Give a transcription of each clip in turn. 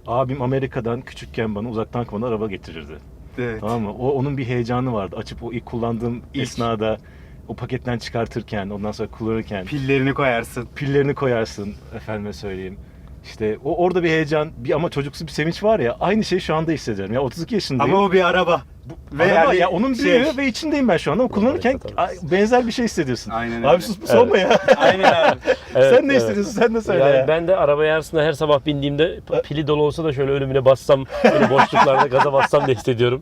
Abim Amerika'dan küçükken bana uzaktan kumandalı araba getirirdi. Evet. Tamam mı? Onun bir heyecanı vardı. Açıp o ilk kullandığım esnada o paketten çıkartırken, ondan sonra kullanırken Pillerini koyarsın. pillerini koyarsın, efendime söyleyeyim. İşte orada bir heyecan, ama çocuksu bir sevinç var ya, aynı şeyi şu anda hissediyorum. Ya 32 yaşındayım. Ama o bir araba. Ve araba, ya onun büyüğü ve içindeyim ben şu anda. Ama kullanırken benzer bir şey hissediyorsun. Aynen öyle. Abi sus olma ya. Aynen abi. Sen ne hissediyorsun? Sen de söyle Yani ya. ben de arabaya aslında her sabah bindiğimde pili dolu olsa da şöyle ölümüne bassam, böyle boşluklarda gaza bassam da hissediyorum.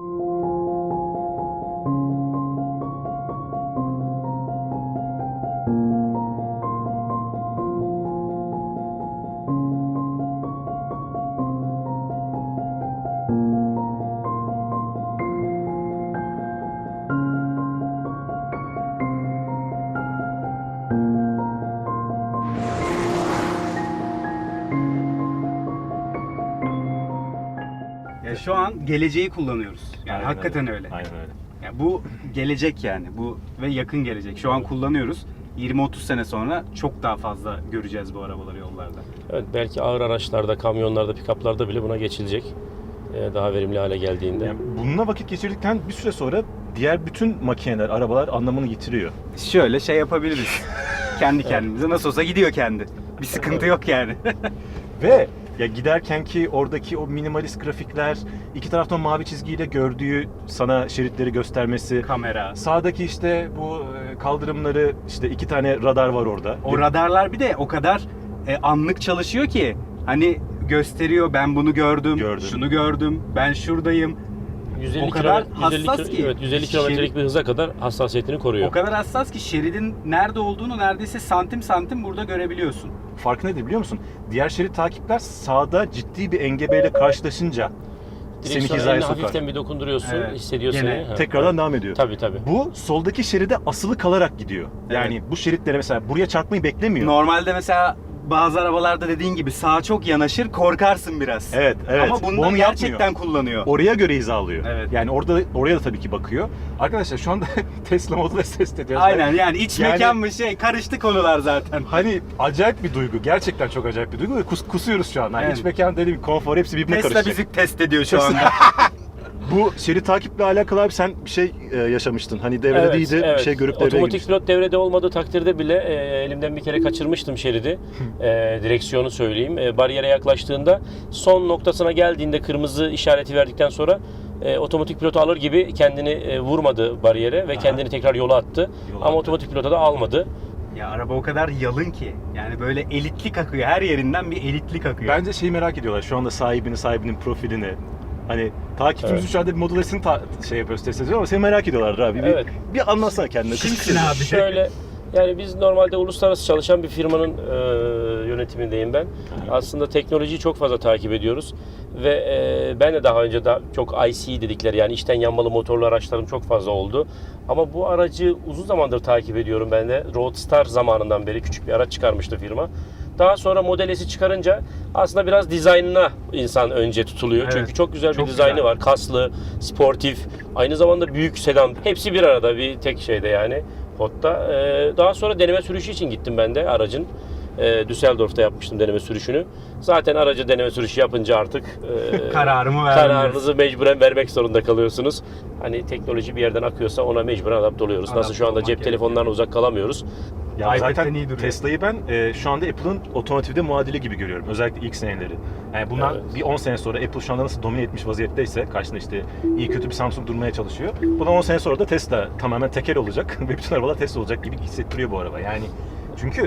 Ya şu an geleceği kullanıyoruz. Yani Aynen hakikaten öyle. Aynen öyle. Ya bu gelecek yani. Bu ve yakın gelecek. Şu an kullanıyoruz. 20-30 sene sonra çok daha fazla göreceğiz bu arabaları yollarda. Evet, belki ağır araçlarda, kamyonlarda, pikaplarda bile buna geçilecek. Daha verimli hale geldiğinde. Yani bununla vakit geçirdikten bir süre sonra diğer bütün makineler, arabalar anlamını yitiriyor. Şöyle şey yapabiliriz. Kendi kendimize. Nasıl olsa gidiyor kendi. Bir sıkıntı yok yani. Ve ya giderken ki oradaki o minimalist grafikler, iki taraftan mavi çizgiyle gördüğü sana şeritleri göstermesi, Kamera. sağdaki işte bu kaldırımları, işte 2 tane radar var orada. O radarlar bir de o kadar anlık çalışıyor ki hani gösteriyor, ben bunu gördüm, şunu gördüm, ben şuradayım. 150 o kadar kilo- 150 hassas kilo- ki. Evet, 150 kilometrelik bir hıza kadar hassasiyetini koruyor. O kadar hassas ki şeridin nerede olduğunu neredeyse santim santim burada görebiliyorsun. Farkı nedir biliyor musun? Diğer şerit takipler sağda ciddi bir engebeyle karşılaşınca seni Direksiyona hizaya elini sokar. hafiften bir dokunduruyorsun, Evet. hissediyor Gene seni. Ha, Tekrardan evet. devam ediyor. Tabii tabii. Bu soldaki şeride asılı kalarak gidiyor. Yani bu şeritlere mesela buraya çarpmayı beklemiyor. Normalde mesela bazı arabalarda dediğin gibi sağa çok yanaşır, korkarsın biraz. Evet. Ama bunda Onu gerçekten yapmıyor. kullanıyor. Oraya göre hizalıyor. Evet. Yani oraya da tabii ki bakıyor. Arkadaşlar şu anda Tesla Model S test ediyoruz. Aynen yani iç Yani- mekan mı şey karıştı konular zaten. Hani acayip bir duygu. Gerçekten çok acayip bir duygu ve kusuyoruz şu an. Hani Evet. iç mekan dediğim konfor hepsi birbirine Tesla karışacak. bizi test ediyor şu anda. Bu şerit takiple alakalı abi sen bir şey yaşamıştın. Hani devrede değildi, bir şey görüp devreye Otomatik girmiştin. pilot devrede olmadığı takdirde bile elimden bir kere kaçırmıştım şeridi. Direksiyonu söyleyeyim. Bariyere yaklaştığında son noktasına geldiğinde kırmızı işareti verdikten sonra otomatik pilotu alır gibi kendini vurmadı bariyere ve kendini tekrar yola attı. Ama otomatik pilota da almadı. Ya araba o kadar yalın ki. Yani böyle elitlik akıyor. Her yerinden bir elitlik akıyor. Bence şeyi merak ediyorlar. Şu anda sahibinin profilini. Hani takipçimiz şu anda bir Model S'ini şey yapıyoruz, test ediyoruz ama seni merak ediyorlar abi. Evet. Bir anlatsana kendine. Kimsin abi? Şöyle, yani biz normalde uluslararası çalışan bir firmanın yönetimindeyim ben. Aslında teknolojiyi çok fazla takip ediyoruz ve ben de daha önce çok IC dedikleri, yani içten yanmalı motorlu araçlarım çok fazla oldu. Ama bu aracı uzun zamandır takip ediyorum ben de. Roadstar zamanından beri küçük bir araç çıkarmıştı firma. Daha sonra Model S'i çıkarınca aslında biraz dizaynına insan önce tutuluyor. Evet, Çünkü çok güzel çok bir dizaynı güzel. var. Kaslı, sportif, aynı zamanda büyük sedan. Hepsi bir arada bir tek şeyde yani. Pod'da. Daha sonra deneme sürüşü için gittim ben de aracın. Düsseldorf'ta yapmıştım deneme sürüşünü. Zaten aracı deneme sürüşü yapınca artık Kararımı verdim. kararınızı mecburen vermek zorunda kalıyorsunuz. Hani teknoloji bir yerden akıyorsa ona mecburen adapte oluyoruz. Nasıl Adapte şu anda olmak cep gerekiyor. telefonlarına uzak kalamıyoruz. Ya iPad'den zaten iyi duruyor. Tesla'yı ben şu anda Apple'ın otomotivde muadili gibi görüyorum. Özellikle ilk seneleri. Yani bundan Evet. bir 10 sene sonra Apple şu anda nasıl domine etmiş vaziyetteyse, karşında işte iyi kötü bir Samsung durmaya çalışıyor. Bundan 10 sene sonra da Tesla tamamen tekel olacak ve bütün arabalar Tesla olacak gibi hissettiriyor bu araba. Yani çünkü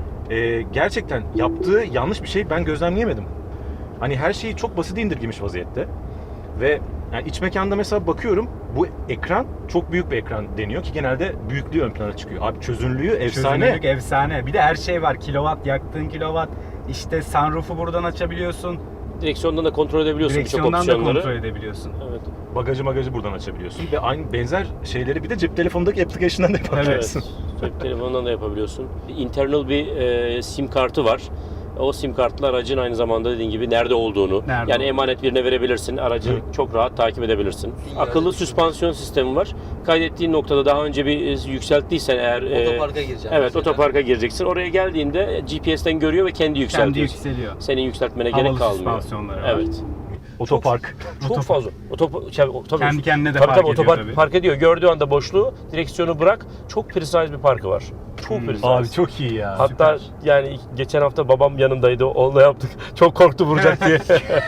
gerçekten yaptığı yanlış bir şey ben gözlemleyemedim. Hani her şeyi çok basite indirgemiş vaziyette. Ve yani iç mekanda mesela bakıyorum, bu ekran çok büyük bir ekran deniyor ki genelde büyüklüğü ön plana çıkıyor. Abi çözünürlüğü efsane. Çözünürlük efsane. Bir de her şey var. Kilowatt, yaktığın kilowatt. İşte sunroof'u buradan açabiliyorsun. Direksiyondan da kontrol edebiliyorsun birçok Direksiyondan da opsiyonları. kontrol edebiliyorsun. Evet. Bagajı buradan açabiliyorsun ve aynı benzer şeyleri bir de cep telefonundaki application'dan da yapabiliyorsun. Evet. Cep telefonundan da yapabiliyorsun. Internal bir sim kartı var. O sim kartla aracın aynı zamanda dediğin gibi nerede olduğunu, Nerede yani olduğunu. emanet birine verebilirsin. Aracı çok rahat takip edebilirsin. Akıllı süspansiyon sistemi var. Kaydettiğin noktada daha önce bir yükselttiysen eğer Otoparka gireceğim. evet, mesela. otoparka gireceksin. Oraya geldiğinde GPS'ten görüyor ve kendi yükseltiyor. Kendi yükseliyor. Senin yükseltmene Havalı gerek kalmıyor. süspansiyonları var. Evet. Otopark. Çok fazla. Tabii, Kendi kendine de tabii, park tabii, ediyor otopark tabii. park ediyor. Gördüğü anda boşluğu, direksiyonu bırak. Çok precise bir parkı var. Çok precise. Abi çok iyi ya. Hatta yani geçen hafta babam yanımdaydı. Onunla yaptık. Çok korktu vuracak diye.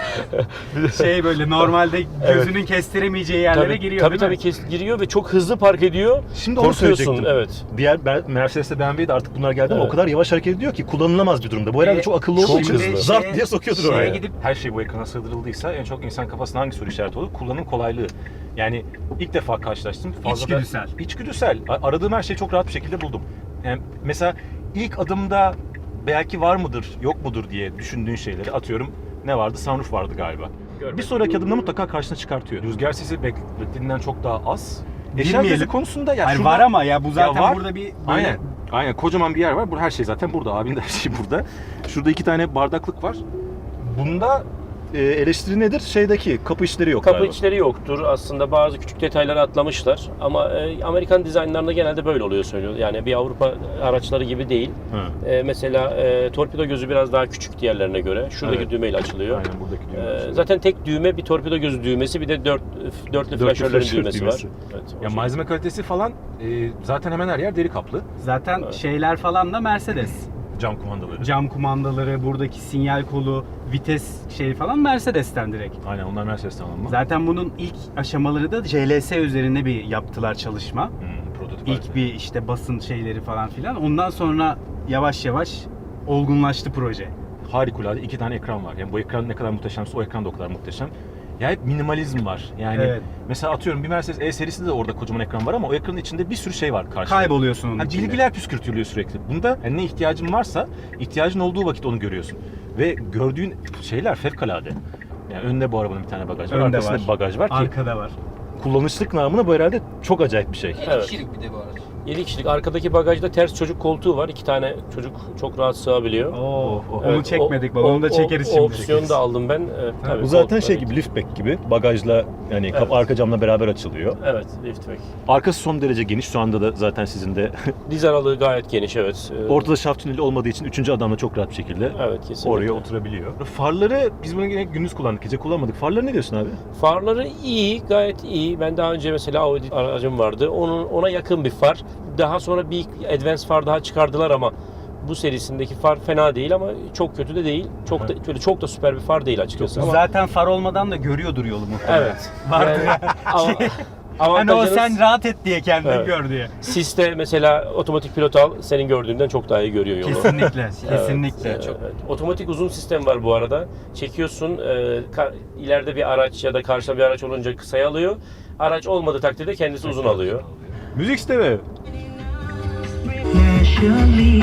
Şey böyle normalde gözünün kestiremeyeceği yerlere giriyor Tabii değil mi? giriyor ve çok hızlı park ediyor. Şimdi onu Korkuyorsun, söyleyecektim. evet. Diğer Mercedes'te BMW'de artık bunlar geldi ama Evet. o kadar yavaş hareket ediyor ki kullanılamaz bir durumda. Bu herhalde çok akıllı olduğu çok için hızlı. zart diye sokuyordur şeye oraya. gidip- Her şey bu ekrana sığdırıldıysa en çok insan kafasına hangi soru işareti olur? Kullanım kolaylığı. Yani ilk defa karşılaştım. İçgüdüsel. İçgüdüsel. Aradığım her şeyi çok rahat bir şekilde buldum. Yani mesela ilk adımda belki var mıdır, yok mudur diye düşündüğün şeyleri atıyorum. Ne vardı? Sunroof vardı galiba. Görmedim. Bir sonraki adımda mutlaka karşına çıkartıyor. Rüzgar sesi beklediğinden çok daha az. Eşya Bilmeyelim. gözü konusunda ya Hayır, şurada- var ama ya bu zaten var. burada bir böyle Aynen. Aynen. Kocaman bir yer var. Her şey zaten burada. Abinin de her şey burada. Şurada 2 tane bardaklık var. Bunda eleştiri nedir? Şeydeki kapı işleri yok Kapı galiba. içleri yoktur. Aslında bazı küçük detayları atlamışlar. Ama Amerikan dizaynlarında genelde böyle oluyor söylüyor. Yani bir Avrupa araçları gibi değil. Hı. Mesela torpido gözü biraz daha küçük diğerlerine göre. Şuradaki Evet. düğmeyle açılıyor. Aynen buradaki düğme. Zaten tek düğme bir torpido gözü düğmesi, bir de dörtlü flaşörlerin flaşör düğmesi düğmesi. var. Evet, o Ya şey. malzeme kalitesi falan zaten hemen her yer deri kaplı. zaten Evet. şeyler falan da Mercedes. Cam kumandaları. Cam kumandaları, buradaki sinyal kolu, vites şey falan Mercedes'ten direkt. Aynen onlar Mercedes'ten alınma. Zaten bunun ilk aşamaları da JLS üzerine bir yaptılar çalışma. Prototip. İlk bir işte basın şeyleri falan filan. Ondan sonra yavaş yavaş olgunlaştı proje. Harikulade 2 tane ekran var. Yani bu ekran ne kadar muhteşemse o ekran da o kadar muhteşem. Ya hep minimalizm var. Yani Evet. mesela atıyorum bir Mercedes E serisinde de orada kocaman ekran var ama o ekranın içinde bir sürü şey var karşında. Kayboluyorsun onun Yani içinde. bilgiler püskürtülüyor sürekli. Bunda yani ne ihtiyacın varsa ihtiyacın olduğu vakit onu görüyorsun. Ve gördüğün şeyler fevkalade. Yani önde bu arabanın bir tane bagaj var, Önde arkasında var. bir bagaj var ki Arkada var. kullanışlık namına bu herhalde çok acayip bir şey. 7 Evet. kişilik bir de bu araç. 7 kişilik. Arkadaki bagajda ters çocuk koltuğu var. 2 tane çocuk çok rahat sığabiliyor. Oo, onu Evet, çekmedik bak. Onu da çekeriz şimdi. O opsiyonu da aldım ben. Tabii, Bu zaten koltuklar şey için. gibi liftback gibi bagajla yani Evet. arka camla beraber açılıyor. Evet, liftback. Arkası son derece geniş. Şu anda da zaten sizin de Diz aralığı gayet geniş, evet. ortada şaft tüneli olmadığı için 3. adam da çok rahat bir şekilde Evet, kesinlikle. oraya oturabiliyor. Farları biz bunu yine gündüz kullandık, gece kullanmadık. Farları ne diyorsun abi? Farları iyi, gayet iyi. Ben daha önce mesela Audi aracım vardı. Ona yakın bir far. Daha sonra bir advance far daha çıkardılar ama bu serisindeki far fena değil ama çok kötü de değil. Çok da böyle çok da süper bir far değil açıkçası. Ama Zaten far olmadan da görüyordur yolu muhtemelen. evet. Vardır Yani, ama Hani o avantajınız- sen rahat et diye kendin Evet. gör diye. Siste mesela otomatik pilot al, senin gördüğünden çok daha iyi görüyor yolu. Kesinlikle, Evet, kesinlikle. evet. Otomatik uzun sistem var bu arada. Çekiyorsun, ileride bir araç ya da karşıda bir araç olunca kısaya alıyor. Araç olmadığı takdirde kendisi uzun alıyor. Müzik sistemi. Naturally,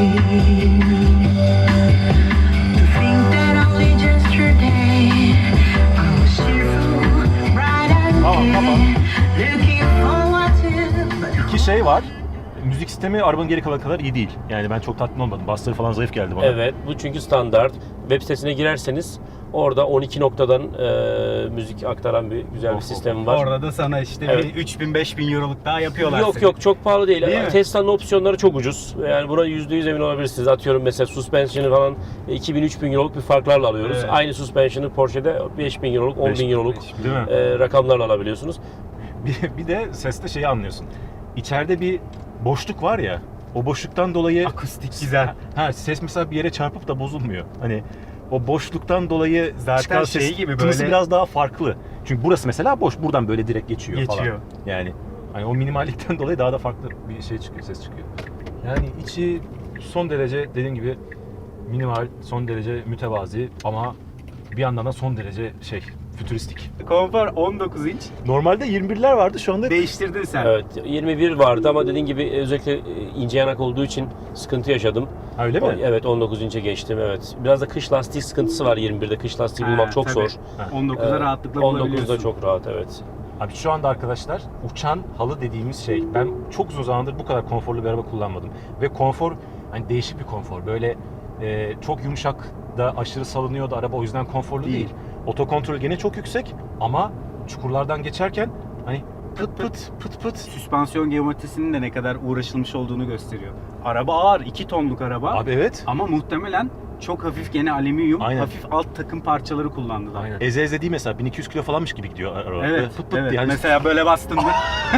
to think that only yesterday I was cheerful, bright and Tamam. looking forward to. İki şey var. Müzik sistemi arabanın geri kalan kadar iyi değil. Yani ben çok tatmin olmadım. Bassları falan zayıf geldi bana. Evet, bu çünkü standart. Web sitesine girerseniz orada 12 noktadan müzik aktaran bir güzel bir sistem var. Orada da sana işte Evet. bir 3000-5000 euroluk daha yapıyorlar Yok seni. yok, çok pahalı değil. Değil mi? Tesla'nın opsiyonları çok ucuz. Yani buna %100 emin olabilirsiniz. Atıyorum mesela suspension'ı falan 2000-3000 euroluk bir farklarla alıyoruz. Evet. Aynı suspension'ı Porsche'de 5000 euroluk, 10.000 euroluk Değil mi? rakamlarla alabiliyorsunuz. Bir de seste şeyi anlıyorsun. İçeride bir boşluk var ya. O boşluktan dolayı Akustik güzel. ses mesela bir yere çarpıp da bozulmuyor. Hani o boşluktan dolayı Zaten çıkan şey ses gibi tınısı böyle- biraz daha farklı. Çünkü burası mesela boş. Buradan böyle direkt geçiyor falan. Geçiyor. Yani hani o minimallikten dolayı daha da farklı bir şey çıkıyor, ses çıkıyor. Yani içi son derece dediğim gibi minimal, son derece mütevazi ama bir yandan da son derece fütüristik. Konfor 19 inç. Normalde 21'ler vardı, şu anda Değiştirdin sen. Evet, 21 vardı ama dediğin gibi özellikle ince yanak olduğu için sıkıntı yaşadım. Ha, öyle mi? Evet, 19 inçe geçtim, evet. Biraz da kış lastiği sıkıntısı var 21'de. Kış lastiği bulmak Ha, çok tabii. zor. 19'da rahatlıkla 19'da bulabiliyorsun. çok rahat, evet. Abi şu anda arkadaşlar uçan halı dediğimiz şey. Ben çok uzun zamandır bu kadar konforlu bir araba kullanmadım. Ve konfor hani değişik bir konfor. Böyle çok yumuşak da aşırı salınıyor da araba o yüzden konforlu değil. Otokontrol gene çok yüksek ama çukurlardan geçerken hani pıt pıt pıt pıt. Süspansiyon geometrisinin de ne kadar uğraşılmış olduğunu gösteriyor. Araba ağır, 2 tonluk araba. Abi evet. Ama muhtemelen çok hafif gene alüminyum, Aynen. hafif alt takım parçaları kullandılar. Aynen. Eze değil mesela 1200 kilo falanmış gibi gidiyor araba. Evet, Böyle pıt pıt evet. diye. Hani Mesela böyle bastın mı?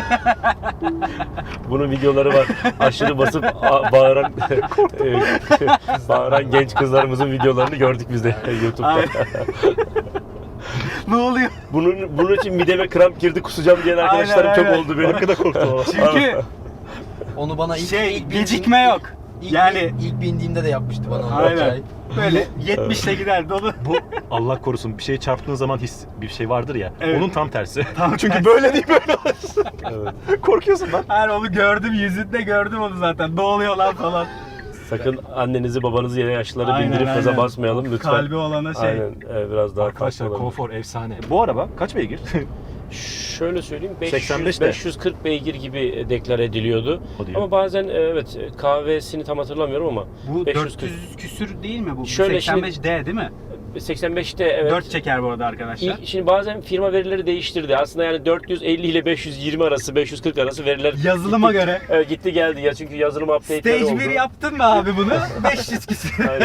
Bunun videoları var. Aşırı basıp bağıran bağıran genç kızlarımızın videolarını gördük biz de YouTube'da. Aynen. Ne oluyor? Bunun için mideme kramp girdi kusacağım diyen arkadaşlarım Aynen, çok aynen. oldu benim. Arkada korktum ama. Çünkü Onu bana ilk gecikme yok. Yani ilk bindiğimde de yapmıştı bana onu. aynen. Böyle 70'le gider dolu. Bu Allah korusun bir şeye çarptığın zaman bir şey vardır ya. Evet. Onun tam tersi. Tam Çünkü tersi. böyle değil böyle olursun. Evet. Korkuyorsun lan. Hayır onu gördüm, yüzünde gördüm onu zaten. Ne oluyor lan falan. Sakın annenizi babanızı yere yaşlıları Aynen, bindirip gaza aynen. basmayalım lütfen. Kalbi olana şey. Aynen biraz daha Arkadaşlar farklı olabilir. konfor efsane. Bu araba kaç beygir? Şöyle söyleyeyim 85 de. 540 beygir gibi deklar ediliyordu. O diyor. Ama bazen evet kahvesini tam hatırlamıyorum ama Bu 540. 400 küsür değil mi bu? Şöyle 85D değil mi? 85'te evet. 4 çeker bu arada arkadaşlar. Şimdi bazen firma verileri değiştirdi. Aslında yani 450 ile 520 arası, 540 arası veriler Yazılıma göre. evet, gitti geldi ya çünkü yazılım update'leri oldu. Stage 1 yaptın mı abi bunu? 500 küsür. Aynen.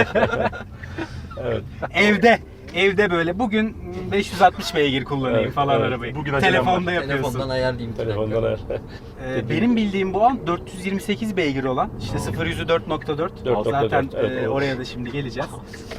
evet. Evde böyle bugün 560 beygir kullanayım Evet, falan evet. arabayı. Bugün acelem Telefonda var. yapıyorsun. Telefondan ayarlayayım. Telefondan ayar. Benim bildiğim bu an 428 beygir olan işte 0-100'ü 4.4. 4.4, Zaten evet. oraya da şimdi geleceğiz.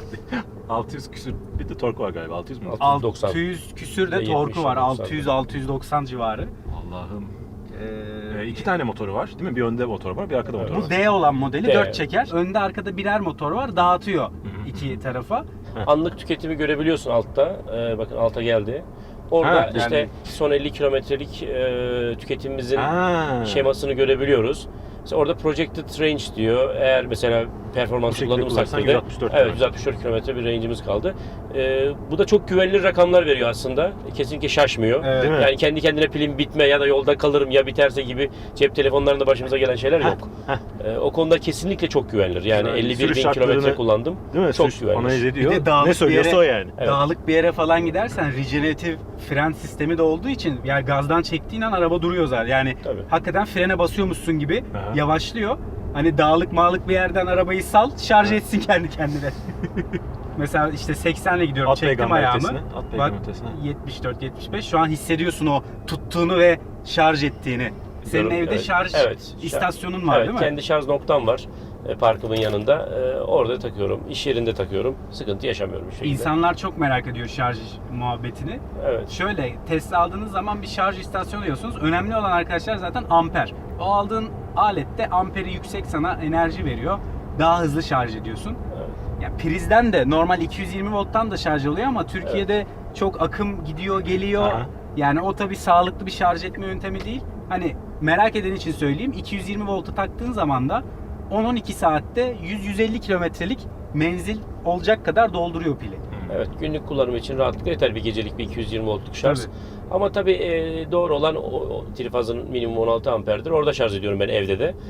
600 küsür bir de torku var galiba. 600 mü? 690. 600 küsür de 70, torku var. 90. 600-690 civarı. Allah'ım. Ee, İki tane motoru var değil mi? Bir önde motor var, bir arkada motor var. Bu D olan modeli D. 4 çeker. Önde arkada birer motor var. Dağıtıyor iki tarafa. Anlık tüketimi görebiliyorsun altta. Bakın alta geldi. Orada Ha, işte yani- son 50 kilometrelik tüketimimizin Ha. şemasını görebiliyoruz. Mesela orada projected range diyor. Eğer mesela Bu performans şekilde kullanırsak kullanırsan dedi. 164 Evet, kilometre. 164 kilometre bir range'imiz kaldı. Bu da çok güvenilir rakamlar veriyor aslında. Kesinlikle şaşmıyor. Evet. Değil mi? Yani kendi kendine pilim bitme ya da yolda kalırım ya biterse gibi cep telefonlarında başımıza gelen şeyler yok. O konuda kesinlikle çok güvenilir. Yani Yani 51 sürüş bin kilometre şartlarını- kullandım. Değil mi? Çok Sürüş güvenilir. Analiz ediyor. Bir de dağlık Ne bir söylüyorsa yere- o yani. Evet. Dağlık bir yere falan gidersen regeneratif fren sistemi de olduğu için yani gazdan çektiğin an araba duruyor zaten. Yani Tabii. hakikaten frene basıyormuşsun gibi Aha. yavaşlıyor. Hani dağlık mağlık bir yerden arabayı sal, şarj etsin kendi kendine. Mesela işte 80'le gidiyorum, At çektim peygamber ayağımı. ötesine, at Bak peygamber ötesine. 74-75 şu an hissediyorsun o tuttuğunu ve şarj ettiğini. Senin Biliyorum, evde evet. şarj Evet. istasyonun var Evet, değil mi? kendi şarj noktam var. Parkımın yanında. Orada takıyorum. İş yerinde takıyorum. Sıkıntı yaşamıyorum bir şekilde. İnsanlar çok merak ediyor şarj muhabbetini. Evet. Şöyle Tesla aldığınız zaman bir şarj istasyonu diyorsunuz. Önemli olan arkadaşlar zaten amper. O aldığın alette amperi yüksek sana enerji veriyor. Daha hızlı şarj ediyorsun. Evet. Ya prizden de normal 220 volttan da şarj oluyor ama Türkiye'de çok akım gidiyor geliyor. Aha. Yani o tabii sağlıklı bir şarj etme yöntemi değil. Hani merak eden için söyleyeyim 220 voltu taktığın zaman da 10-12 saatte 100-150 kilometrelik menzil olacak kadar dolduruyor pili. Evet, günlük kullanım için rahatlıkla yeter bir gecelik bir 220 voltluk şarj. Tabii. Ama tabii doğru olan o trifazın minimum 16 amperdir. Orada şarj ediyorum ben evde de.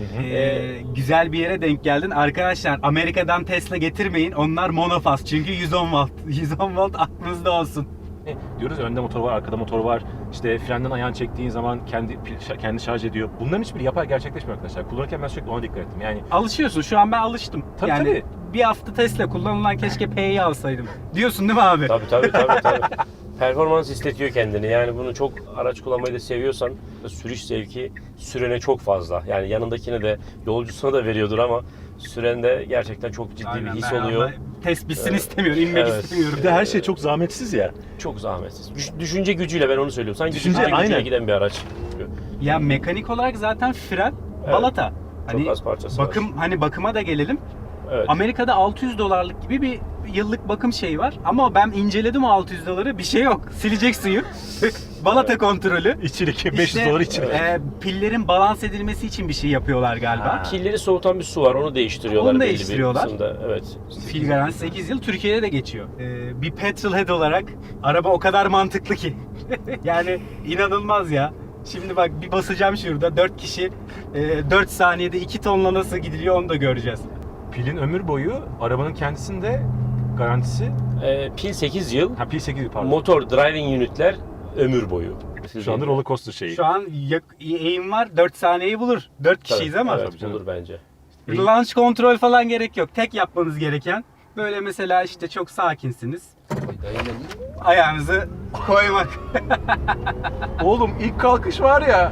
Güzel bir yere denk geldin. Arkadaşlar Amerika'dan Tesla getirmeyin. Onlar monofaz. Çünkü 110 volt. 110 volt aklınızda olsun. Diyoruz ya, önde motor var, arkada motor var. İşte frenden ayağını çektiğin zaman kendi şarj ediyor. Bunların hiçbiri yapay gerçekleşmiyor arkadaşlar. Kullanırken ben sürekli ona dikkat ettim. Yani Alışıyorsun. Şu an ben alıştım. Tabii, yani tabii. bir hafta Tesla kullanılan keşke P'yi alsaydım. Diyorsun değil mi abi? Tabii. Performans istetiyor kendini. Yani bunu çok araç kullanmayı da seviyorsan sürüş zevki sürene çok fazla. Yani yanındakine de yolcusuna da veriyordur ama sürende gerçekten çok ciddi Aynen, bir his ben oluyor. ama test bitsin istemiyorum. İnmek Evet. istemiyorum. bir de her şey çok zahmetsiz ya. Çok zahmetsiz. Düşünce gücüyle ben onu söylüyorum. Sanki Düşünce, düşünce gücüyle aynen. giden bir araç. Ya mekanik olarak zaten fren Evet. balata. Çok az parçası var. hani bakıma da gelelim. Evet. Amerika'da 600 dolarlık gibi bir yıllık bakım şeyi var. Ama ben inceledim o 600 doları. Bir şey yok. Silecek suyu. Balata kontrolü. İçilik, 500 İşte, dolar içilik. pillerin balans edilmesi için bir şey yapıyorlar galiba. Ha. Pilleri soğutan bir su var. Onu değiştiriyorlar. Onu belli bir değiştiriyorlar. kısımda. Evet. Fil garantisi 8 yıl. Türkiye'de de geçiyor. Bir petrolhead olarak araba o kadar mantıklı ki. Yani inanılmaz ya. Şimdi bak bir basacağım şurada. 4 kişi 4 saniyede 2 tonla nasıl gidiliyor onu da göreceğiz. Pilin ömür boyu, arabanın kendisinde garantisi. Pil 8 yıl, Pil 8 pardon. motor driving unitler ömür boyu. Şu anda roller coaster şeyi. Şu an eğim var 4 saniyeyi bulur. 4 kişiyiz ama. Evet, Tabii canım. bulur bence. Launch kontrol falan gerek yok. Tek yapmanız gereken böyle mesela işte çok sakinsiniz. Ayağınızı koymak. Oğlum ilk kalkış var ya.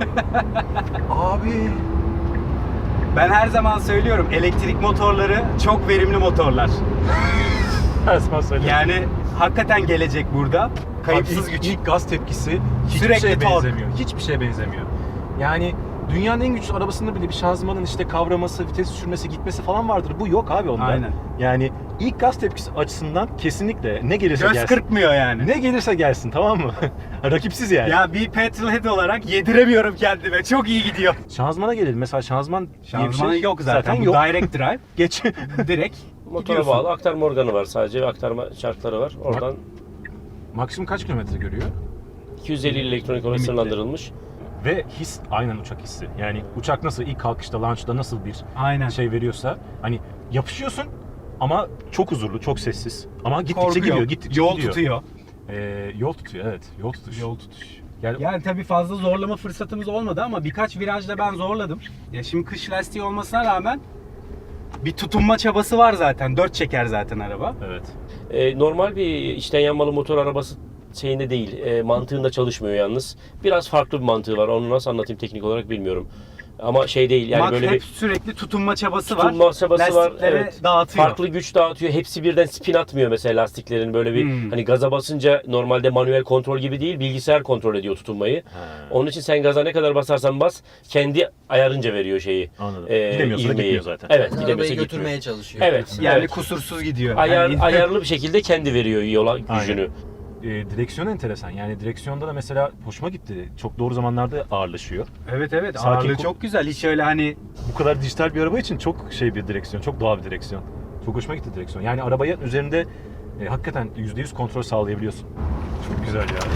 Abi. Ben her zaman söylüyorum elektrik motorları çok verimli motorlar. Her zaman söylüyorum. Yani hakikaten gelecek burada. Abi Kayıpsız güç. ilk gaz tepkisi hiçbir Sürekli şeye tork. benzemiyor. Hiçbir şeye benzemiyor. Yani dünyanın en güçlü arabasında bile bir şanzımanın işte kavraması, vites düşürmesi, gitmesi falan vardır. Bu yok abi onda. Aynen. Yani ilk gaz tepkisi açısından kesinlikle ne gelirse Göz gelsin. kırpmıyor yani. Ne gelirse gelsin, tamam mı? Rakipsiz yani. Ya bir petrolhead olarak yediremiyorum kendime. Çok iyi gidiyor. Şanzımana gelelim. Mesela şanzıman diye bir Şanzıman şey yok zaten. Bu yok. direct drive. Geç. Direkt Motora gidiyorsun. bağlı aktarma organı var sadece ve aktarma çarkları var. Oradan Maksimum kaç kilometre görüyor? 250 elektronik olarak Limitli. sınırlandırılmış. Ve his aynen uçak hissi. Yani uçak nasıl ilk kalkışta, launch'ta nasıl bir Aynen. şey veriyorsa hani yapışıyorsun ama çok huzurlu, çok sessiz. Ama gittikçe Korku gidiyor, yok. gittikçe Yol gidiyor. tutuyor. Yol tutuyor, evet. Yol tutuş. Yol tutuş. Yani, Yani tabii fazla zorlama fırsatımız olmadı ama birkaç virajda ben zorladım. Ya şimdi kış lastiği olmasına rağmen bir tutunma çabası var zaten. 4 çeker zaten araba. evet. Normal bir içten yanmalı motor arabası şeyinde değil, mantığında çalışmıyor yalnız. Biraz farklı bir mantığı var. Onu nasıl anlatayım teknik olarak bilmiyorum. Ama şey değil yani Mac böyle hep bir sürekli tutunma çabası tutunma var. çabası var. Lastikleri Evet. dağıtıyor. Farklı güç dağıtıyor. Hepsi birden spin atmıyor mesela lastiklerin. Böyle bir hani gaza basınca normalde manuel kontrol gibi değil, bilgisayar kontrol ediyor tutunmayı. Onun için sen gaza ne kadar basarsan bas, kendi ayarınca veriyor şeyi. Anladım. Gidemiyorsa da ivmeyi. gitmiyor zaten. Evet, gidemiyorsa Arabayı gitmiyor. götürmeye çalışıyor. Evet. Yani evet. kusursuz gidiyor. Ayar, Yani- ayarlı bir şekilde kendi veriyor yola gücünü. Direksiyon enteresan. Yani direksiyonda da mesela hoşuma gitti. Çok doğru zamanlarda ağırlaşıyor. Evet evet Sakin ağırlığı kul- çok güzel. Hiç öyle hani Bu kadar dijital bir araba için çok şey bir direksiyon, çok doğal bir direksiyon. Çok hoşuma gitti direksiyon. Yani arabaya üzerinde hakikaten %100 kontrol sağlayabiliyorsun. Çok güzel ya.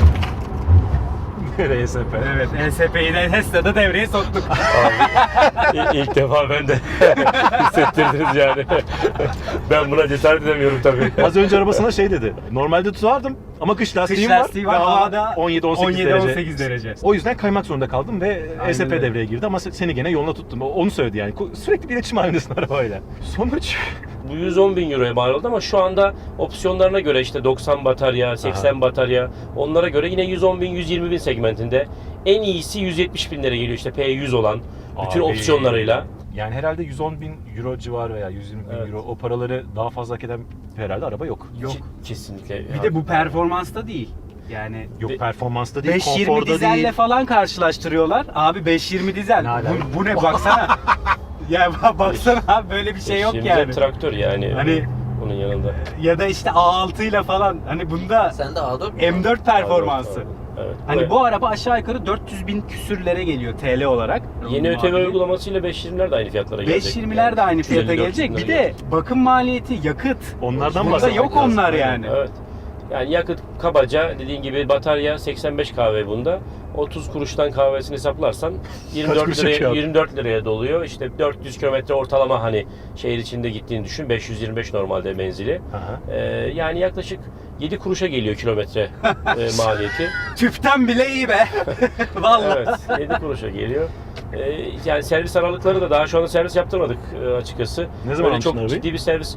RSP. evet ESP'yi de Tesla'da devreye soktuk. İlk defa ben de hissettirdiniz yani. Ben buna cesaret edemiyorum tabii. Az önce arabasına şey dedi. Normalde tutardım ama kış lastiğim lastiği var, ve hava havada 17-18 derece. 17-18 derece. O yüzden kaymak zorunda kaldım ve Aynen ESP öyle. devreye girdi ama seni gene yoluna tuttum. Onu söyledi yani. Sürekli bir iletişim halindesin arabayla. Sonuç Bu 110 bin euroya mal oldu ama şu anda opsiyonlarına göre işte 90 batarya, 80 batarya onlara göre yine 110 bin, 120 bin segmentinde. En iyisi 170 binlere geliyor işte P100 olan bütün Abi, opsiyonlarıyla. Yani herhalde 110 bin euro civarı veya 120 bin Evet. euro o paraları daha fazla hak eden herhalde araba yok. Yok. Kesinlikle. Bir de bu performansta değil. Yani Yok Ve- performansta değil, 520 konforda dizelle değil. falan karşılaştırıyorlar. Abi 520 dizel. Ne alaka? Bu ne baksana. Ya baksana abi böyle bir şey yok Şimdi yani. traktör yani. Hani- onun yanında. Ya da işte A6 ile falan. Hani bunda Sen de A4 mü? M4 performansı. Evet. Hani bu araba aşağı yukarı 400 bin küsürlere geliyor TL olarak. Yeni ÖTV Muadili. uygulamasıyla 520'ler de aynı fiyatlara gelecek. 520'ler de aynı 350-400 fiyata gelecek. Bir de bakım maliyeti, yakıt. Onlardan Burada bahsetmek yok lazım. onlar Aynen. yani. Evet. Yani yakıt kabaca dediğin gibi batarya 85 kahve bunda. 30 kuruştan kahvesini hesaplarsan 24 kuruş liraya yakıyor? 24 liraya doluyor. İşte 400 kilometre ortalama hani şehir içinde gittiğini düşün. 525 normalde menzili. Aha. Yani yaklaşık 7 kuruşa geliyor kilometre maliyeti. Tüpten bile iyi be. Vallahi. Evet, 7 kuruşa geliyor. Yani servis aralıkları da daha şu anda servis yaptırmadık açıkçası. Ne zaman Böyle almışsın çok arabayı? ciddi bir servis.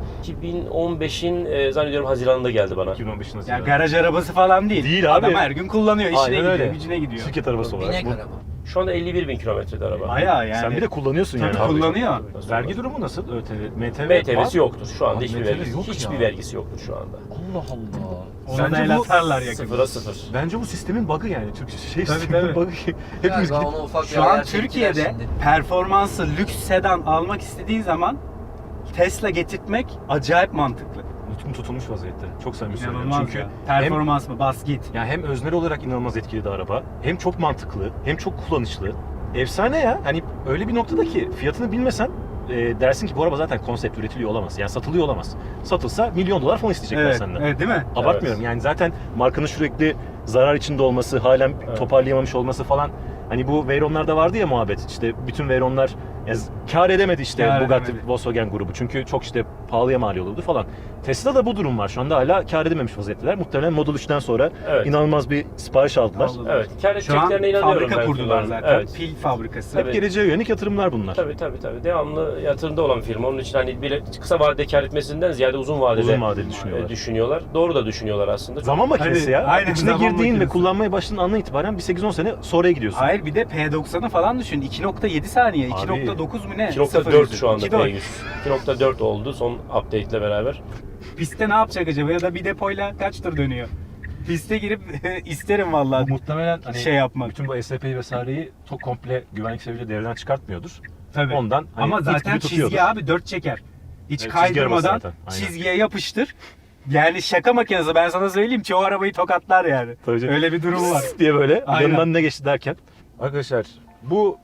2015'in zannediyorum Haziran'da geldi bana. 2015 nasıl Ya ya? garaj arabası falan değil. Değil abi. Adam her gün kullanıyor, işine Aynen gidiyor, öyle. gücüne gidiyor. Şirket arabası olarak. Binek Bu- araba. Şu anda 51 bin kilometrede araba. Bayağı yani. Sen bir de kullanıyorsun Tabii yani. kullanıyor. Vergi durumu nasıl? MTV MTV'si var. yoktur şu anda Abi hiçbir MTV vergisi. yok Hiçbir ya. vergisi yoktur şu anda. Allah Allah. Onu Bence da el bu atarlar yakında. Sıfıra sıfır. Bence bu sistemin bug'ı yani. Türk Tabii, şey sisteminin tabii. bug'ı. Hepimiz Galiba gidip onu ufak bir Şu an ayar çektiler Türkiye'de şimdi. performansı lüks sedan almak istediğin zaman Tesla getirtmek acayip mantıklı. nutkum tutulmuş vaziyette. Çok samimi söylüyorum. İnanılmaz Çünkü ya. Performans mı? Bas git. yani hem öznel olarak inanılmaz etkili de araba. Hem çok mantıklı, hem çok kullanışlı. Efsane ya. Hani öyle bir noktada ki fiyatını bilmesen dersin ki bu araba zaten konsept üretiliyor olamaz. Yani satılıyor olamaz. Satılsa milyon dolar falan isteyecekler Evet, senden. evet değil mi? Abartmıyorum. Yani zaten markanın sürekli zarar içinde olması, halen Evet. toparlayamamış olması falan. Hani bu Veyron'larda vardı ya muhabbet. İşte bütün Veyron'lar yani kar edemedi işte Kâr Bugatti, edemedi. Volkswagen grubu. Çünkü çok işte pahalıya mal oluyordu falan. Tesla'da bu durum var. Şu anda hala kar edememiş vaziyetteler. Muhtemelen Model 3'ten sonra Evet. inanılmaz bir sipariş aldılar. Aldılar. Evet, kar Şu an edeceklerine inanıyorum fabrika ben kurdular firmanın. zaten. Evet. Pil fabrikası. Hep geleceğe yönelik yatırımlar bunlar. Tabii. Devamlı yatırımda olan firma. Onun için hani bile kısa vadede kar etmesinden ziyade uzun vadede, Uzun vadeli düşünüyorlar. düşünüyorlar. Doğru da düşünüyorlar aslında. Zaman makinesi Hani, ya. aynen, İçine zaman girdiğin ve makinesi. kullanmaya başladığın andan itibaren bir 8-10 sene sonraya gidiyorsun. Hayır bir de P90'ı falan düşün. 2.7 saniye. Abi. 2.9 mu ne? 2.4 şu anda 2.4. P100. 2.4 oldu son update ile beraber. Pistte ne yapacak acaba ya da bir depoyla kaç tur dönüyor? Piste girip isterim vallahi Muhtemelen hani şey yapmak. bütün bu SP'yi vesaireyi çok komple güvenlik sebebiyle devreden çıkartmıyordur. Tabii. Ondan hani Ama it zaten gibi tutuyordur. çizgi abi 4 çeker. Hiç Evet, çizgi arabası kaydırmadan zaten, aynen. çizgiye yapıştır. Yani şaka makinesi ben sana söyleyeyim çoğu arabayı tokatlar yani. Tabii canım. Öyle bir durum var. diye böyle Aynen. yanından ne geçti derken. Arkadaşlar bu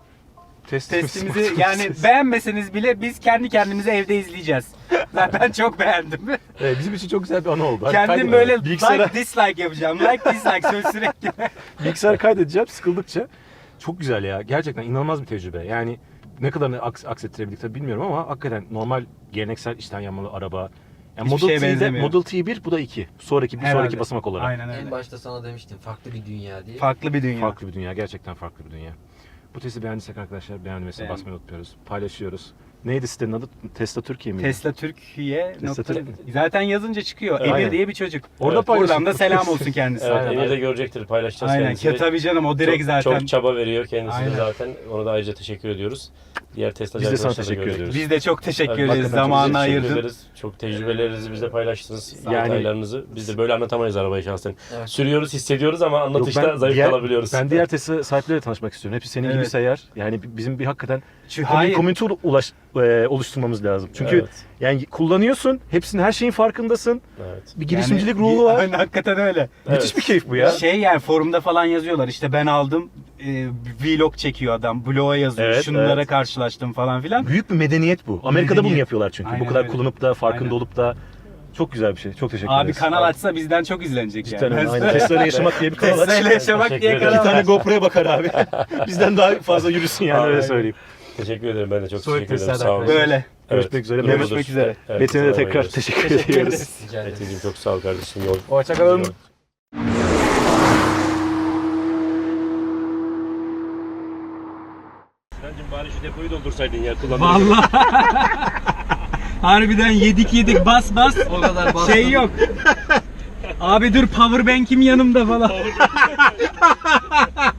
Testimizi yani beğenmeseniz bile biz kendi kendimize evde izleyeceğiz. Zaten çok beğendim. Evet, bizim için çok güzel bir anı oldu. Hadi Kendim kaydedin. böyle bilgisayara, like dislike yapacağım. Like dislike söz sürekli. bilgisayara kaydedeceğim sıkıldıkça. Çok güzel ya. Gerçekten inanılmaz bir tecrübe. Yani ne kadarını aksettirebildik tabii bilmiyorum ama hakikaten normal geleneksel içten yanmalı araba. Yani Hiçbir şeye Model T'de benzemiyor. Model T1 bu da 2. Sonraki Herhalde. basamak olarak. Aynen En öyle. başta sana demiştim farklı bir dünya diye. Farklı bir dünya. Farklı bir dünya. Gerçekten farklı bir dünya. Bu testi beğendiysek arkadaşlar beğenmesine Beğen- basmayı unutmuyoruz. Paylaşıyoruz. Neydi sitenin adı? Tesla Türkiye miydi? Tesla Türkiye Tesla nokta- Türkiye. Zaten yazınca çıkıyor. Evet. Emir diye bir çocuk. Orada Evet. paylaşın. Buradan da selam olsun kendisine. Evet, Aynen. Emir de görecektir, paylaşacağız Aynen. kendisiyle. Tabii canım o direkt çok, zaten. Çok çaba veriyor kendisi Aynen. de zaten. Ona da ayrıca teşekkür ediyoruz. Diğer Tesla Biz de sana arkadaşlar da teşekkür görecektir. ediyoruz. Biz de çok teşekkür Evet, ederiz. hakikaten çok Zamanını Teşekkür ayırdın. ederiz. Çok tecrübelerinizi bize paylaştınız. Yani- Detaylarınızı. Biz de böyle anlatamayız arabayı şahsen. Evet. Sürüyoruz, hissediyoruz ama Yok, anlatışta zayıf kalabiliyoruz. Ben diğer Tesla sahipleriyle tanışmak istiyorum. Hepsi senin gibi Evet. seyyar. Yani bizim bir hakikaten Hayır. komünite oluşturmamız lazım. Çünkü Evet. yani kullanıyorsun, hepsinin her şeyin farkındasın. Evet. Bir girişimcilik Yani- ruhu var. Aynen, hakikaten öyle. Müthiş Evet. bir keyif bu ya. Şey yani forumda falan yazıyorlar işte ben aldım vlog çekiyor adam blog'a yazıyor Evet, şunlara evet. karşılaştım falan filan. Büyük bir medeniyet bu. Amerika'da bunu Medeniyet. yapıyorlar çünkü. Aynen bu kadar öyle. kullanıp da farkında Aynen. olup da çok güzel bir şey. Çok teşekkür Abi ederiz. kanal açsa bizden çok izlenecek Cidden yani. öyle. Aynen. Tesla'yla yaşamak diye bir kanal aç. Tesla'yla yaşamak Teşekkür diye ederim. İki kanal tane aç. GoPro'ya bakar abi. Bizden daha fazla yürüsün yani öyle Aynen. söyleyeyim. Teşekkür ederim. Ben de çok Sonraki teşekkür ederim. Tesla'dan Sağ olun. Böyle. Görüşmek üzere. Görüşmek Mehmet- üzere. Evet, Metin'e de Tesla'ya tekrar gidiyoruz. teşekkür Teşekkür ediyoruz. ederiz. Rica ederim. Metin'cim çok sağ ol kardeşim. Yol. Hoşçakalın. Sinancım bari şu depoyu doldursaydın ya kullanmak. Vallahi. Harbiden yedik bas O kadar bastım. şey yok. Abi dur powerbank'im yanımda falan.